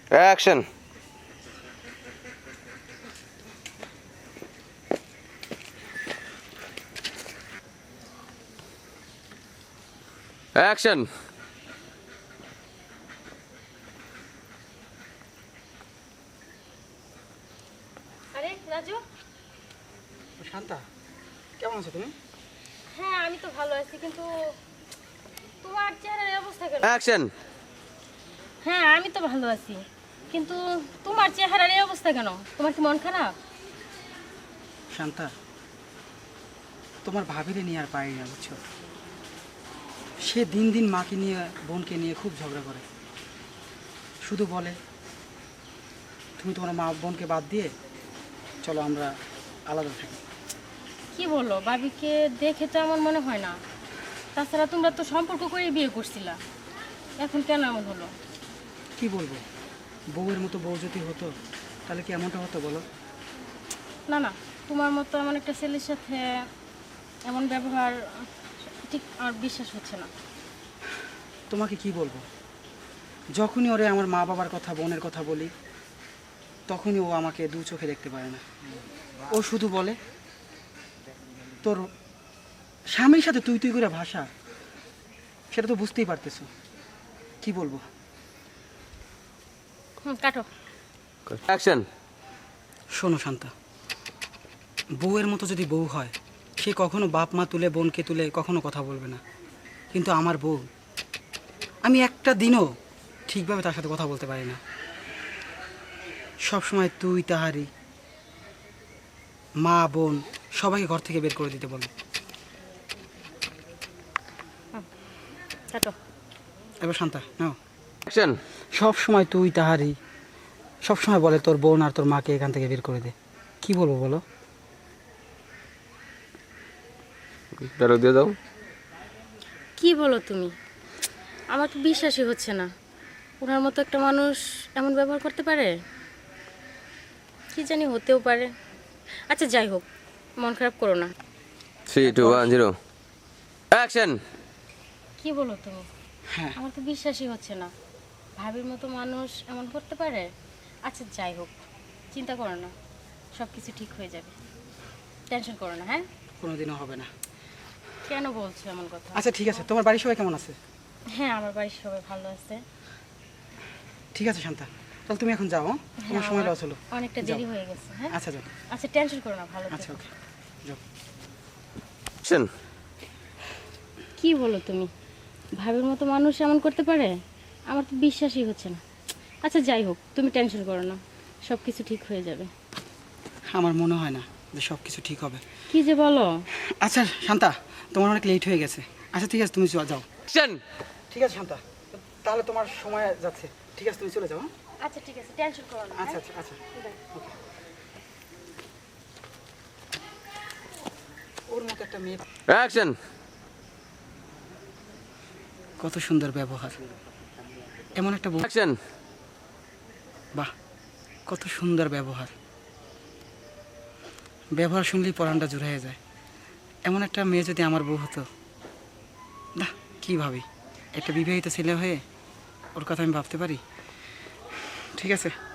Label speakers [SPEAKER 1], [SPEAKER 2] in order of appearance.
[SPEAKER 1] Action. Action.
[SPEAKER 2] আরে রাজু,
[SPEAKER 3] শান্তা, কেমন আছো তুমি?
[SPEAKER 2] হ্যাঁ আমি তো ভালো আছি, কিন্তু তোমার চেহারার এই অবস্থা কেন?
[SPEAKER 1] অ্যাকশন।
[SPEAKER 2] হ্যাঁ আমি তো ভালো আছি, কিন্তু তোমার চেহারার এই অবস্থা কেন? তোমার কি মন খারাপ?
[SPEAKER 3] শান্তা, তোমার ভাবিরে নিয়ে আর পারি না, বুঝছো? সে দিন দিন মাকে নিয়ে, বোনকে নিয়ে খুব ঝগড়া করে। শুধু বলে তুমি তোমার মা বোনকে বাদ দিয়ে চলো আমরা আলাদা থাকি।
[SPEAKER 2] কি বলো, ভাবিকে দেখে তো এমন মনে হয় না। তাছাড়া তোমরা তো সম্পর্ক করে বিয়ে করছিলা, এখন কেন এমন হলো?
[SPEAKER 3] কি বলবো, বউয়ের মতো বউ যদি হতো তাহলে কি এমনটা হতো বলো?
[SPEAKER 2] না না, তোমার মতো এমন একটা ছেলের সাথে এমন ব্যবহার ঠিক আমার বিশ্বাস হচ্ছে না।
[SPEAKER 3] তোমাকে কি বলবো, যখনই ওরে আমার মা বাবার কথা, বোনের কথা বলি, তখনই ও আমাকে দু চোখে দেখতে পারে না। ও শুধু বলে তোর স্বামীর সাথে তুই তুই করে ভাষা, সেটা তো বুঝতেই পারতেছো। কি বলবো?
[SPEAKER 2] কাটো।
[SPEAKER 1] অ্যাকশন।
[SPEAKER 3] শোনো শান্তা, বউয়ের মতো যদি বউ হয়, সে কখনো বাপ মা তুলে, বোনকে তুলে কখনো কথা বলবে না। কিন্তু আমার বউ, আমি একটা দিনও ঠিকভাবে তার সাথে কথা বলতে পারি না। সব সময় তুই তাহারি, মা বোন সবাইকে ঘর থেকে বের করে দিতে বলে।
[SPEAKER 2] কাটো।
[SPEAKER 3] এবার শান্তা নাও।
[SPEAKER 1] অ্যাকশন।
[SPEAKER 3] সব সময় তুই তাহারি, সব সময় বলে তোর বোন আর তোর মাকে এখান থেকে বের করে দে। কি বলবো বলো?
[SPEAKER 1] ডায়লগ দিয়ে দাও।
[SPEAKER 2] কি বলো তুমি? আমার তো বিশ্বাসই হচ্ছে না, ওনার মতো একটা মানুষ এমন ব্যবহার করতে পারে। কি জানি, হতেও পারে। আচ্ছা যাই হোক, মন খারাপ করো না।
[SPEAKER 1] 3 2 1 0 অ্যাকশন।
[SPEAKER 2] কি বলো তুমি?
[SPEAKER 3] হ্যাঁ,
[SPEAKER 2] আমার তো বিশ্বাসই হচ্ছে না, ভাবির মতো মানুষ এমন করতে পারে। আচ্ছা যাই হোক, চিন্তা করো না, সব কিছু ঠিক হয়ে যাবে। টেনশন করো না, হ্যাঁ?
[SPEAKER 3] কোনোদিনও হবে না।
[SPEAKER 2] কেন বলছো এমন কথা?
[SPEAKER 3] আচ্ছা ঠিক আছে, তোমার বাড়ির সবাই কেমন আছে?
[SPEAKER 2] হ্যাঁ আমার বাড়ির সবাই ভালো আছে।
[SPEAKER 3] ঠিক আছে শান্তা, তাহলে তুমি এখন যাও। হ্যাঁ? তোমার
[SPEAKER 2] হ্যাঁ,
[SPEAKER 3] সময়
[SPEAKER 2] আমার
[SPEAKER 3] লস হলো।
[SPEAKER 2] অনেকটা
[SPEAKER 3] যাও।
[SPEAKER 2] দেরি হয়ে গেছে। হ্যাঁ
[SPEAKER 3] আচ্ছা যাও।
[SPEAKER 2] আচ্ছা, টেনশন করো না, ভালো
[SPEAKER 3] আচ্ছা
[SPEAKER 2] থেকো।
[SPEAKER 3] ওকে, যাও।
[SPEAKER 1] অ্যাকশন।
[SPEAKER 2] কি বলো তুমি? ভাবির মতো মানুষ এমন করতে পারে? আমার তো বিশ্বাসই হচ্ছে না। আচ্ছা যাই হোক, তুমি টেনশন করো না, সব কিছু ঠিক হয়ে যাবে।
[SPEAKER 3] আমার মনে হয় না যে সব কিছু ঠিক হবে।
[SPEAKER 2] কি যে বলো!
[SPEAKER 3] আচ্ছা শান্তা, তোমার অনেক লেট হয়ে গেছে। আচ্ছা ঠিক আছে, তুমি যাও।
[SPEAKER 1] অ্যাকশন।
[SPEAKER 3] ঠিক আছে শান্তা, তাহলে তোমার সময় যাচ্ছে। ঠিক আছে, তুমি চলে যাও। হ্যাঁ?
[SPEAKER 2] আচ্ছা ঠিক আছে, টেনশন করো না।
[SPEAKER 3] আচ্ছা আচ্ছা আচ্ছা, ওকে। ওর মতো একটা মেয়ে,
[SPEAKER 1] অ্যাকশন।
[SPEAKER 3] কত সুন্দর ব্যবহার, এমন একটা বউ।
[SPEAKER 1] অ্যাকশন।
[SPEAKER 3] বাহ, কত সুন্দর ব্যবহার। ব্যবহার শুনলেই পরানটা জুড়ে যায়। এমন একটা মেয়ে যদি আমার বউ হতো, না কি ভাবি, একটা বিবাহিত ছেলে হয়ে ওর কথা আমি ভাবতে পারি? ঠিক আছে,